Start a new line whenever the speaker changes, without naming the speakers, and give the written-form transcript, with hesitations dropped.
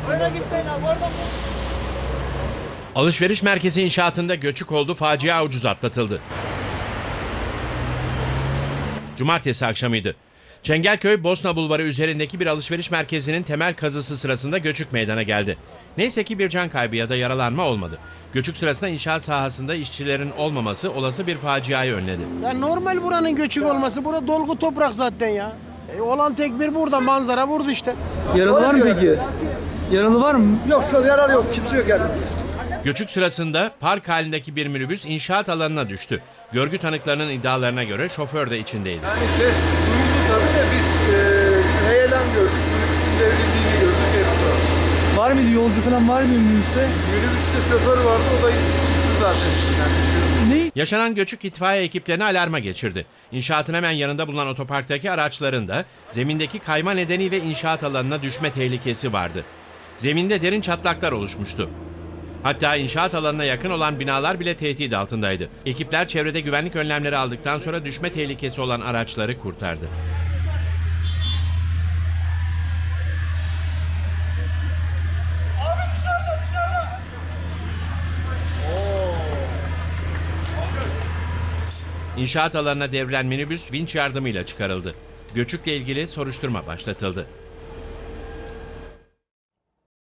Öyle gitmeyin abi, oradan.
Alışveriş merkezi inşaatında göçük oldu, facia ucuz atlatıldı. Cumartesi akşamıydı. Çengelköy Bosna Bulvarı üzerindeki bir alışveriş merkezinin temel kazısı sırasında göçük meydana geldi. Neyse ki bir can kaybı ya da yaralanma olmadı. Göçük sırasında inşaat sahasında işçilerin olmaması olası bir faciayı önledi.
Ya normal buranın göçük olması, bura dolgu toprak zaten ya. Olan tek bir burada, manzara burada işte.
Yaralı var mı peki? Yaralı var mı?
Yok, şu an yaralı yok. Kimse yok yani.
Göçük sırasında park halindeki bir minibüs inşaat alanına düştü. Görgü tanıklarının iddialarına göre şoför de içindeydi.
Yani ses duyuldu tabii de biz bir heyelan gördük. Minibüsün devrildiğini gördük. Hepsi var.
Var mıydı? Yolcu falan var mıydı minibüste?
Minibüste şoför vardı. O da çıktı zaten. Yani bir şey yok.
Ne?
Yaşanan göçük itfaiye ekiplerini alarma geçirdi. İnşaatın hemen yanında bulunan otoparktaki araçların da zemindeki kayma nedeniyle inşaat alanına düşme tehlikesi vardı. Zeminde derin çatlaklar oluşmuştu. Hatta inşaat alanına yakın olan binalar bile tehdit altındaydı. Ekipler çevrede güvenlik önlemleri aldıktan sonra düşme tehlikesi olan araçları kurtardı. İnşaat alanına devrilen minibüs vinç yardımıyla çıkarıldı. Göçükle ilgili soruşturma başlatıldı.